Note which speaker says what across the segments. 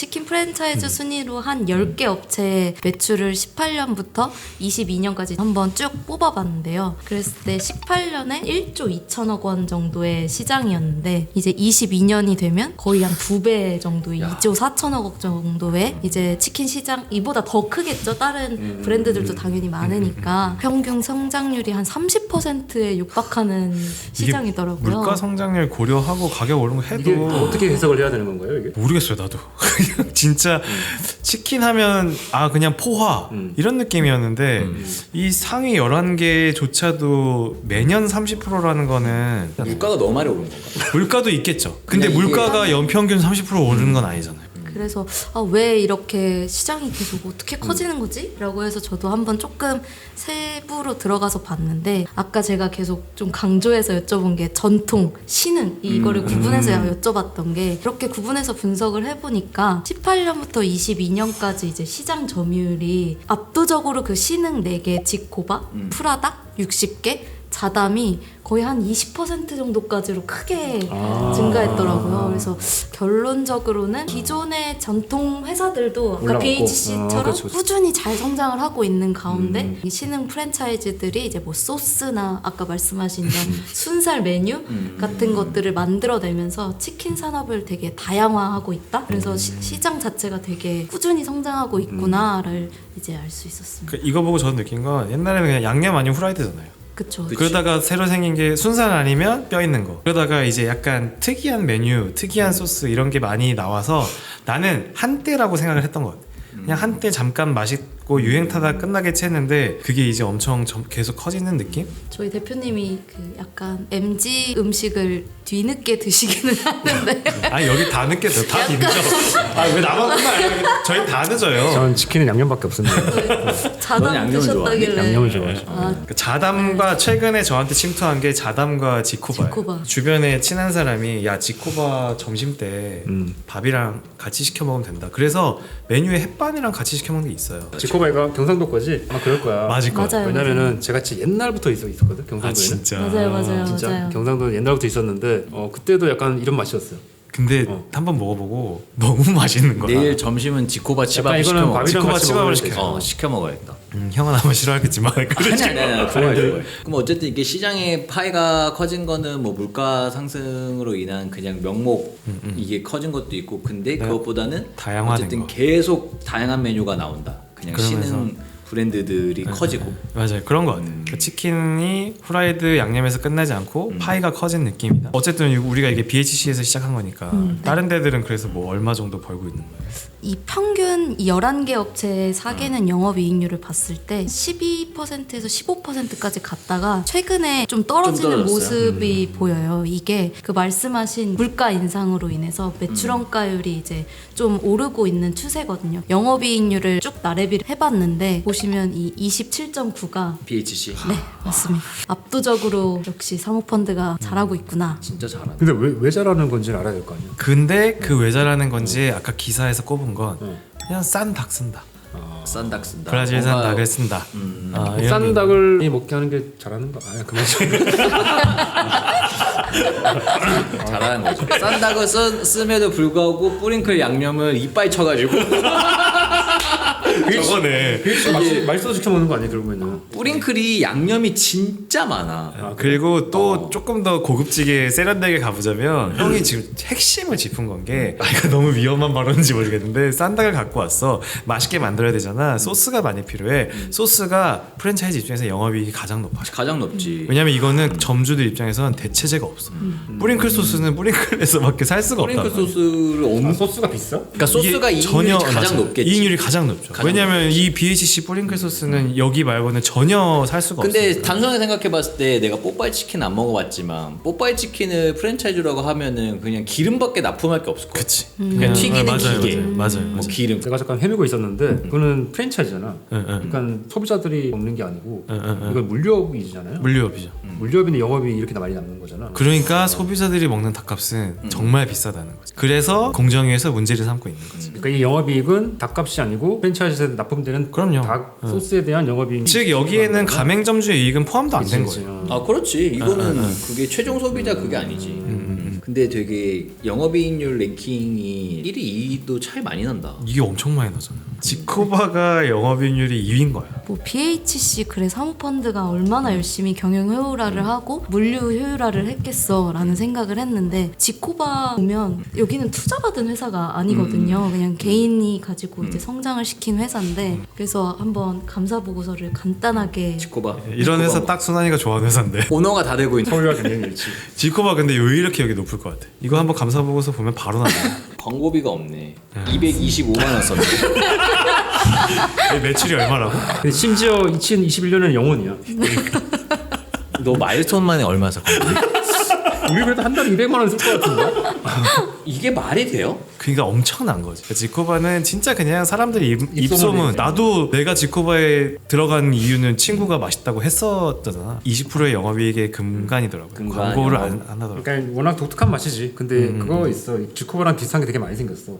Speaker 1: 치킨 프랜차이즈 순위로 한 10개 업체의 매출을 18년부터 22년까지 한번 쭉 뽑아봤는데요. 그랬을 때 18년에 1조 2천억 원 정도의 시장이었는데 이제 22년이 되면 거의 한 2배 정도 2조 4천억 원 정도의 이제 치킨 시장, 이보다 더 크겠죠. 다른 브랜드들도 당연히 많으니까 평균 성장률이 한 30%에 육박하는 시장이더라고요.
Speaker 2: 물가 성장률 고려하고 가격 오른 거 해도
Speaker 3: 이게 어떻게 해석을 해야 되는 건가요, 이게?
Speaker 2: 모르겠어요 나도. 그냥 진짜 치킨 하면 그냥 포화 이런 느낌이었는데 이 상위 11개조차도 매년 30%라는 거는
Speaker 4: 물가가 너무 많이 오른 건가?
Speaker 2: 물가도 있겠죠. 근데
Speaker 4: 그냥 이게
Speaker 2: 물가가 연평균 30% 오르는 건 아니잖아요.
Speaker 1: 그래서 왜 이렇게 시장이 계속 어떻게 커지는 거지? 라고 해서 저도 한번 조금 세부로 들어가서 봤는데 아까 제가 계속 좀 강조해서 여쭤본 게 전통, 신흥 이거를 구분해서 여쭤봤던 게 이렇게 구분해서 분석을 해보니까 18년부터 22년까지 이제 시장 점유율이 압도적으로 그 신흥 4개 지코바, 프라다 60개, 자담이 거의 한 20% 정도까지로 크게 증가했더라고요. 그래서 결론적으로는 기존의 전통 회사들도 아까
Speaker 3: 올라갔고.
Speaker 1: BHC처럼
Speaker 3: 그렇죠.
Speaker 1: 꾸준히 잘 성장을 하고 있는 가운데 이 신흥 프랜차이즈들이 이제 뭐 소스나 아까 말씀하신 이런 순살 메뉴 같은 것들을 만들어내면서 치킨 산업을 되게 다양화하고 있다. 그래서 시장 자체가 되게 꾸준히 성장하고 있구나를 이제 알 수 있었습니다.
Speaker 2: 이거 보고 저는 느낀 건 옛날에는 그냥 양념 아니면 후라이드잖아요.
Speaker 1: 그쵸.
Speaker 2: 그러다가 새로 생긴 게 순살 아니면 뼈 있는 거. 그러다가 이제 약간 특이한 메뉴, 특이한 소스 이런 게 많이 나와서 나는 한때라고 생각을 했던 것 같아요. 그냥 한때 잠깐 맛있고 유행 타다 끝나겠지 했는데 그게 이제 엄청 계속 커지는 느낌?
Speaker 1: 저희 대표님이 그 약간 MG 음식을 뒤늦게 드시기는 하는데
Speaker 2: 여기 다 늦게 돼. 다 뒤늦죠. 왜 나만 그만 저희 다 늦어요.
Speaker 3: 저는 치킨은 양념밖에 없습니다.
Speaker 4: 넌
Speaker 1: 자담
Speaker 4: 양념을
Speaker 1: 드셨다길래
Speaker 3: 양념을 좋아해요.
Speaker 2: 그 자담과 최근에 저한테 침투한 게 자담과 지코바예요.
Speaker 1: 지코바.
Speaker 2: 주변에 친한 사람이 야 지코바 점심 때 밥이랑 같이 시켜 먹으면 된다. 그래서 메뉴에 햇반이랑 같이 시켜 먹는 게 있어요.
Speaker 3: 지코바이가 경상도 거지? 아마 그럴 거야.
Speaker 2: 맞을 거.
Speaker 1: 맞아요.
Speaker 3: 왜냐면은 제가 진짜 옛날부터 있었거든, 경상도에는.
Speaker 2: 진짜.
Speaker 1: 맞아요.
Speaker 3: 진짜
Speaker 1: 맞아요.
Speaker 3: 경상도는 옛날부터 있었는데 그때도 약간 이런 맛이었어요.
Speaker 2: 근데 한번 먹어보고 너무 맛있는 거야.
Speaker 4: 내일 점심은 지코바 치밥
Speaker 3: 약간
Speaker 4: 시켜
Speaker 3: 이거는
Speaker 4: 먹어.
Speaker 3: 밥이랑
Speaker 2: 지코바
Speaker 3: 같이
Speaker 2: 치밥을
Speaker 3: 먹으면
Speaker 2: 시켜.
Speaker 3: 되지.
Speaker 4: 시켜 먹어야겠다.
Speaker 2: 형은 아마 싫어하겠지만
Speaker 4: 아니. 그럼 어쨌든 이게 시장의 파이가 커진 거는 뭐 물가 상승으로 인한 그냥 명목 이게 커진 것도 있고 근데 그것보다는
Speaker 2: 다양화된
Speaker 4: 어쨌든
Speaker 2: 거.
Speaker 4: 계속 다양한 메뉴가 나온다. 그냥
Speaker 2: 그러면서
Speaker 4: 신흥 브랜드들이 커지고.
Speaker 2: 맞아요. 그런 것 같아요. 그 치킨이 후라이드 양념에서 끝나지 않고 파이가 커진 느낌이다. 어쨌든 우리가 이게 BHC에서 시작한 거니까 다른 데들은 그래서 뭐 얼마 정도 벌고 있는 거예요?
Speaker 1: 이 평균 이 11개 업체의 사개는 영업이익률을 봤을 때 12%에서 15%까지 갔다가 최근에 좀 떨어지는
Speaker 4: 좀
Speaker 1: 모습이 보여요. 이게 그 말씀하신 물가 인상으로 인해서 매출원가율이 이제 좀 오르고 있는 추세거든요. 영업이익률을 쭉 나래비를 해봤는데 보시면 이 27.9가
Speaker 4: BHC.
Speaker 1: 네 맞습니다. 압도적으로 역시 사모펀드가 잘하고 있구나.
Speaker 4: 진짜 잘하네.
Speaker 3: 근데 왜 잘하는 건지는 알아야 될 거 아니야.
Speaker 2: 근데 그 왜 잘하는 건지 아까 기사에서 꼽은 건 그냥 싼 닭 쓴다.
Speaker 4: 싼 닭 쓴다.
Speaker 2: 브라질산
Speaker 4: 뭔가
Speaker 2: 닭을 쓴다. 이런
Speaker 3: 싼 닭을 먹게 하는 게 잘하는 거 아니야? 그만 좀.
Speaker 4: 잘하는 거죠. 싼 닭을 쓰면도 불구하고 뿌링클 양념을 이빨 쳐가지고
Speaker 2: 저거네.
Speaker 3: 맛있어서 시켜 먹는 거 아니야, 그러면은?
Speaker 4: 뿌링클이 양념이 진짜 많아.
Speaker 2: 그리고 또 조금 더 고급지게 세련되게 가보자면 형이 지금 핵심을 짚은 건 게 이거 너무 위험한 발언인지 모르겠는데 싼 닭을 갖고 왔어. 맛있게 만들어야 되잖아. 소스가 많이 필요해. 소스가 프랜차이즈 입장에서 영업이익이 가장 높아.
Speaker 4: 가장 높지.
Speaker 2: 왜냐면 이거는 점주들 입장에서는 대체제가 없어. 뿌링클 소스는 뿌링클에서밖에 살 수가 없다.
Speaker 4: 뿌링클 소스를
Speaker 3: 소스가 비싸?
Speaker 4: 그러니까 소스가
Speaker 2: 이게
Speaker 4: 이익률이 가장
Speaker 2: 맞아요.
Speaker 4: 높겠지.
Speaker 2: 이익률이 가장 높죠. 왜냐면 이 BHC 뿌링클 소스는 여기 말고는 전혀 살 수가 없어.
Speaker 4: 근데 단순하게 생각해봤을 때 내가 뽀빠이 치킨 안 먹어봤지만 뽀빠이 치킨을 프랜차이즈라고 하면은 그냥 기름밖에 납품할 게 없을 거야.
Speaker 2: 그치.
Speaker 4: 그냥 튀기는
Speaker 2: 맞아요,
Speaker 4: 기계.
Speaker 2: 맞아요.
Speaker 4: 뭐 기름.
Speaker 3: 내가 잠깐 헤매고 있었는데 그거는 프랜차이즈잖아. 그러니까 소비자들이 먹는 게 아니고 이건 물류업이잖아요.
Speaker 2: 물류업이죠.
Speaker 3: 물류업인데 영업이 이렇게 많이 남는 거잖아.
Speaker 2: 그러니까 소비자들이 먹는 닭값은 정말 비싸다는 거지. 그래서 공정위에서 문제를 삼고 있는 거지.
Speaker 3: 그러니까 이 영업이익은 닭값이 아니고 프랜차이즈에서 납품되는
Speaker 2: 그럼요.
Speaker 3: 닭 소스에 대한 영업이익.
Speaker 2: 즉 여기에는 가맹점주의 이익은 포함도 안 된 거예요.
Speaker 4: 아 그렇지. 이거는 그게 최종 소비자 그게 아니지. 근데 되게 영업이익률 랭킹이 1위, 2위도 차이 많이 난다.
Speaker 2: 이게 엄청 많이 나잖아요. 지코바가 영업이익률이 2위인 거야.
Speaker 1: 뭐 BHC 그래 사모펀드가 얼마나 열심히 경영 효율화를 하고 물류 효율화를 했겠어라는 생각을 했는데 지코바 보면 여기는 투자받은 회사가 아니거든요. 그냥 개인이 가지고 이제 성장을 시킨 회사인데 그래서 한번 감사 보고서를 간단하게
Speaker 4: 지코바.
Speaker 2: 이런 회사 딱 순환이가 좋아하는 회사인데.
Speaker 4: 오너가 다 되고 있는.
Speaker 3: 서울과 경쟁일치.
Speaker 2: 지코바 근데 왜 이렇게 여기 높을 것 같아? 이거 한번 감사 보고서 보면 바로 나와.
Speaker 4: 광고비가 없네. 225만 원 썼네.
Speaker 2: 매출이 얼마라고?
Speaker 3: 근데 심지어 2021년에는 영원이야.
Speaker 4: 너 마일스톤 만에 얼마 썼거든?
Speaker 3: 우리 그래도 한 달에 200만 원 쓸 것 같은데.
Speaker 4: 이게 말이 돼요?
Speaker 2: 그러니까 엄청난 거지. 지코바는 진짜 그냥 사람들이 입소문.
Speaker 3: 입소문이지.
Speaker 2: 나도 내가 지코바에 들어간 이유는 친구가 맛있다고 했었잖아. 20%의 영업이익의 금간이더라고.
Speaker 4: 금간,
Speaker 2: 광고를
Speaker 4: 영업.
Speaker 2: 안 하더라고.
Speaker 3: 그러니까 워낙 독특한 맛이지. 근데 그거 있어. 지코바랑 비슷한 게 되게 많이 생겼어.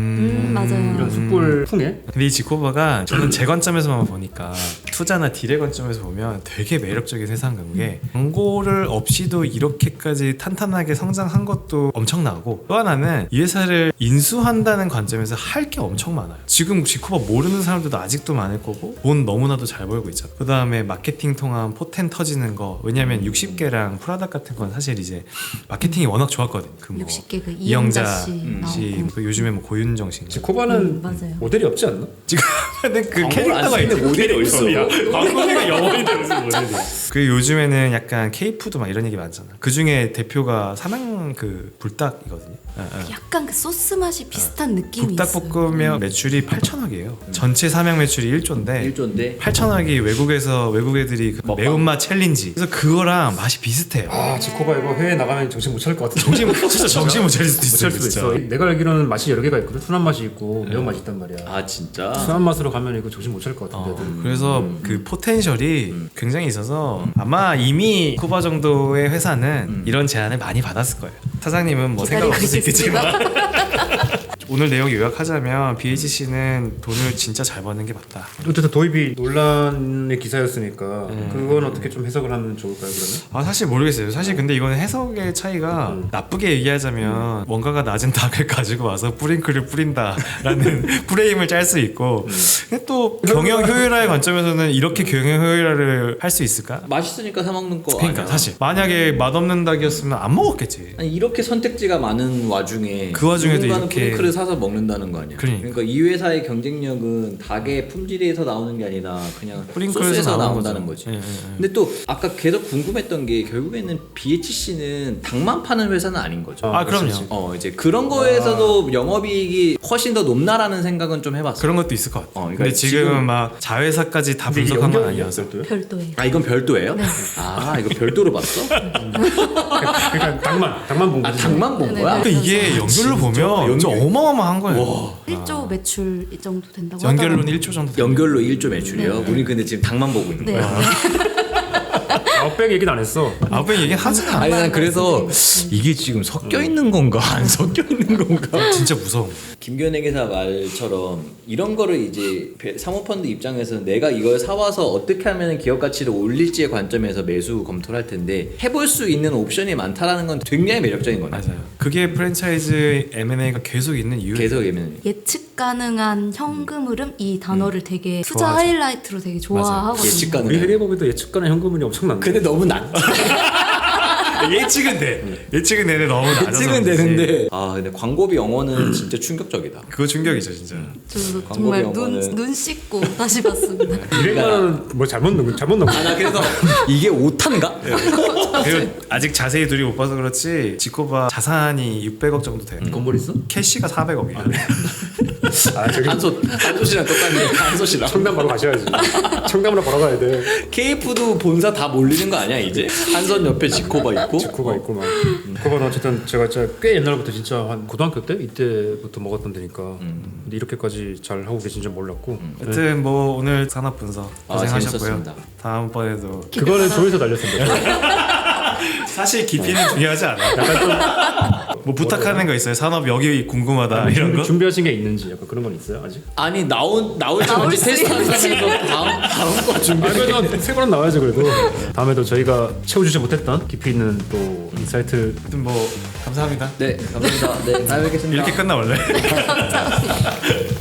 Speaker 1: 맞아요.
Speaker 3: 이런 숯불 풍에.
Speaker 2: 근데 이 지코바가 저는 제 관점에서만 보니까 투자나 딜의 관점에서 보면 되게 매력적인 회사인 게 광고를 없이도 이렇게까지 탄탄하게 성장한 것도 엄청나고 또 하나는 이 회사를 인수한다는 관점에서 할 게 엄청 많아요. 지금 지코바 모르는 사람들도 아직도 많을 거고 돈 너무나도 잘 벌고 있잖아. 그 다음에 마케팅 통한 포텐 터지는 거 왜냐면 60개랑 프라닭 같은 건 사실 이제 마케팅이 워낙 좋았거든. 그 뭐
Speaker 1: 60개 그
Speaker 2: 이영자
Speaker 1: 이영자 씨 나오고.
Speaker 2: 그 요즘에 뭐 고윤정 씨
Speaker 3: 지코바는
Speaker 1: 맞아요.
Speaker 3: 모델이 없지 않나?
Speaker 2: 지금은 그
Speaker 4: 광고를 안
Speaker 2: 캐릭터가
Speaker 4: 쓰는데
Speaker 2: 있는
Speaker 4: 모델이 어딨어?
Speaker 2: 광고가 영원히 되는 모델이. 그 요즘에는 약간 K푸드 막 이런 얘기 많잖아. 그 중에 대표가 삼양 그 불닭이거든요.
Speaker 1: 약간 그 소스 맛이 비슷한 느낌이 있어요.
Speaker 2: 불닭볶음면 매출이 8천억이에요. 전체 삼양 매출이 1조인데
Speaker 4: 1조인데
Speaker 2: 8천억이 외국 애들이 그
Speaker 4: 먹방.
Speaker 2: 매운맛 챌린지. 그래서 그거랑 맛이 비슷해요.
Speaker 3: 아 지코바 이거 해외 나가면 정신 못 차릴 것 같은데.
Speaker 2: 진짜 정신 못 차릴 수도
Speaker 3: 못
Speaker 2: 있어요.
Speaker 3: 차릴 수도
Speaker 2: 진짜.
Speaker 3: 있어. 내가 알기로는 맛이 여러 개가 있거든. 순한 맛이 있고 매운 맛이 있단 말이야.
Speaker 4: 아 진짜?
Speaker 3: 순한 맛으로 가면 이거 정신 못 차릴 것 같은데. 애들.
Speaker 2: 그래서 그 포텐셜이 굉장히 있어서 아마 이미 쿠바 정도의 회사는 이런 제안을 많이 받았을 거예요. 사장님은 뭐 생각 없을 수 있겠지만 오늘 내용 요약하자면 BHC는 돈을 진짜 잘 버는 게 맞다.
Speaker 3: 어쨌든 도입이 논란의 기사였으니까 그건 어떻게 좀 해석을 하면 좋을까요 그러면?
Speaker 2: 아 사실 모르겠어요. 사실 근데 이거는 해석의 차이가 나쁘게 얘기하자면 원가가 낮은 닭을 가지고 와서 뿌링클을 뿌린다라는 프레임을 짤 수 있고 근데 또 경영 효율화의 관점에서는 이렇게 경영 효율화를 할 수 있을까?
Speaker 4: 맛있으니까 사 먹는 거
Speaker 2: 그러니까
Speaker 4: 아니야?
Speaker 2: 사실 만약에 맛없는 닭이었으면 안 먹었겠지.
Speaker 4: 아니 이렇게 선택지가 많은 와중에
Speaker 2: 그 와중에도
Speaker 4: 누군가는
Speaker 2: 이렇게-
Speaker 4: 프링클을 사서 먹는다는 거 아니야?
Speaker 2: 그러니까.
Speaker 4: 이 회사의 경쟁력은 닭의 품질에서 나오는 게 아니라 그냥
Speaker 2: 프링클에서
Speaker 4: 소스에서
Speaker 2: 나오는
Speaker 4: 나온다는
Speaker 2: 거죠.
Speaker 4: 거지.
Speaker 2: 예, 예, 예.
Speaker 4: 근데 또 아까 계속 궁금했던 게 결국에는 BHC는 닭만 파는 회사는 아닌 거죠.
Speaker 2: 아 그럼요.
Speaker 3: 그렇지.
Speaker 4: 이제 그런 거에서도 영업이익이 훨씬 더 높나라는 생각은 좀 해봤어.
Speaker 2: 그런 것도 있을 것 같아.
Speaker 4: 그러니까
Speaker 2: 근데 지금은
Speaker 4: 지금-
Speaker 2: 막 자회사까지 다
Speaker 3: 근데 이게
Speaker 2: 분석한 건
Speaker 3: 연결이
Speaker 2: 아니어서.
Speaker 3: 별도예요?
Speaker 1: 별도예요.
Speaker 4: 아 이건 별도예요?
Speaker 1: 네.
Speaker 4: 아 이거 별도로 봤어?
Speaker 3: 그러니까 닭만 본
Speaker 4: 아
Speaker 3: 거지.
Speaker 4: 닭만 본
Speaker 1: 네,
Speaker 4: 거야?
Speaker 1: 네.
Speaker 2: 근데 이게 연결로 보면 진짜 어마어마한 거예요.
Speaker 1: 1조 매출 이 정도 된다고
Speaker 2: 연결로는
Speaker 1: 하더라고요.
Speaker 2: 1조 정도.
Speaker 4: 연결로 1조 매출이요? 우리 근데 지금 닭만 보고 있는
Speaker 1: 네.
Speaker 4: 거야.
Speaker 3: 아웃백 얘기는 안 했어.
Speaker 2: 아홉 얘기 하진 않아.
Speaker 4: 아니 난 그래서 이게 지금 섞여 있는 건가 안 섞여 있는 건가?
Speaker 2: 진짜 무서워.
Speaker 4: 김견혜 기사 말처럼 이런 거를 이제 사모펀드 입장에서 내가 이걸 사와서 어떻게 하면 기업 가치를 올릴지의 관점에서 매수 검토를 할 텐데 해볼 수 있는 옵션이 많다라는 건 굉장히 매력적인 거네.
Speaker 2: 맞아요. 그게 프랜차이즈 M&A가 계속 있는 이유.
Speaker 4: 계속 예면
Speaker 1: 예측 가능한 현금 흐름 이 단어를 되게 투자
Speaker 2: 좋아하죠.
Speaker 1: 하이라이트로 되게 좋아하거든요.
Speaker 4: 예측 가능.
Speaker 3: 우리 회계법에도 예측 가능 현금률이 엄청난데.
Speaker 4: 근데 너무 낮.
Speaker 2: 예측은 돼. 예측은 되는데 너무 낮아서.
Speaker 4: 예측은
Speaker 2: 그렇지.
Speaker 4: 되는데 아 근데 광고비 영어는 진짜 충격적이다.
Speaker 2: 그거 충격이죠 진짜.
Speaker 1: 저도
Speaker 4: 광고비
Speaker 1: 정말
Speaker 4: 영어는-
Speaker 1: 눈 씻고 다시 봤습니다.
Speaker 3: 200만 원은 뭐 잘못 넣은 거.
Speaker 4: 아 나 그래서 이게 오탄가?
Speaker 2: 그리고 아직 자세히 둘이 못 봐서 그렇지 지코바 자산이 600억 정도 돼요.
Speaker 3: 건물 있어?
Speaker 2: 캐시가 400억이에요.
Speaker 3: 아 저기
Speaker 4: 한솥이랑 똑같네. 한솥이랑.
Speaker 3: 청담 바로 가셔야지. 청담으로 바로 가야 돼.
Speaker 4: KF도 본사 다 몰리는 거 아니야 이제? 한선 옆에 지코바 있고.
Speaker 3: 지코가 있고 막. 지코바는 어쨌든 제가 진짜 꽤 옛날부터 진짜 한 고등학교 때 이때부터 먹었던 데니까. 근데 이렇게까지 잘 하고 계신 줄 몰랐고.
Speaker 2: 하여튼 뭐 오늘 산업 분석
Speaker 4: 아,
Speaker 2: 고생하셨고요.
Speaker 4: 재밌었습니다.
Speaker 2: 다음번에도
Speaker 3: 그거는 조회수 날렸습니다.
Speaker 2: 사실 깊이는 중요하지 않아요.
Speaker 3: 약간 좀
Speaker 2: 뭐 부탁하는 거 있어요? 산업 여기 궁금하다 이런 거?
Speaker 3: 준비하신 게 있는지 약간 그런 건 있어요 아직?
Speaker 4: 아니 나올지
Speaker 1: 나올
Speaker 4: 먼저
Speaker 1: 수
Speaker 4: 테스트하면서
Speaker 1: 있지.
Speaker 4: 다음 거 준비.
Speaker 3: 그래도 새 거는 나와야죠 그래도. 다음에도 저희가 채워주지 못했던 깊이 있는 또 인사이트
Speaker 2: 아무튼 뭐 감사합니다.
Speaker 4: 네 감사합니다. 네 다음에 뵙겠습니다.
Speaker 2: 이렇게 끝나 원래.
Speaker 1: 감사합니다.